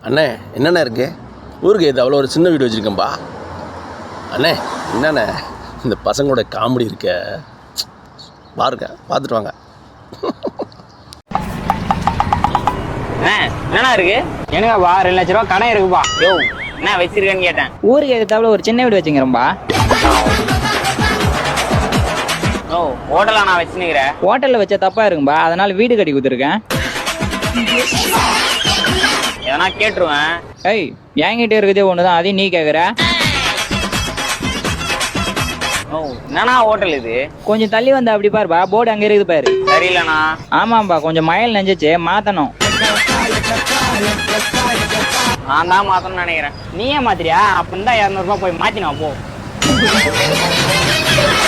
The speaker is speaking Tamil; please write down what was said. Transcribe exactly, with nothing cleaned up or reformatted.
அண்ணே என்னண்ணே இருக்கு ஊருக்கு இது அவ்வளோ ஒரு சின்ன வீடு வச்சுருக்கேன்பா. அண்ணே என்னண்ணே இந்த பசங்களோட காமெடி இருக்க பாருங்க, பார்த்துட்டு வாங்க. என்னண்ணா இருக்கு? எனக்குப்பா ரெண்டு லட்ச ரூபா கடன் இருக்குப்பா. யோ என்ன வச்சிருக்கேன்னு கேட்டேன். ஊருக்கு எதிர்த்தாப்புல ஒரு சின்ன வீடு வச்சுக்கிறேன்பா. ஓ ஹோட்டலா நான் வச்சுக்கிறேன். ஹோட்டல்ல வச்ச தப்பா இருக்கும்பா, அதனால வீடு கட்டி கொடுத்துருக்கேன். எதனா கேட்டுருவேன். ஏய் என்கிட்ட இருக்குதே ஒண்ணுதான், அதையும் நீ கேக்குற. ஓ என்னண்ணா ஹோட்டல் இது? கொஞ்சம் தள்ளி வந்தா அப்படி பாருப்பா, போர்டு அங்க இருக்குது பாரு. சரியில்லண்ணா. ஆமாம்பா, கொஞ்சம் மழையில் நெஞ்சிச்சு, மாத்தணும். நான் தான் மாத்தணும்னு நினைக்கிறேன். நீயே மாத்திரியா? அப்ப இருந்தா இரநூறு ரூபாய் போய் மாத்தினா போ.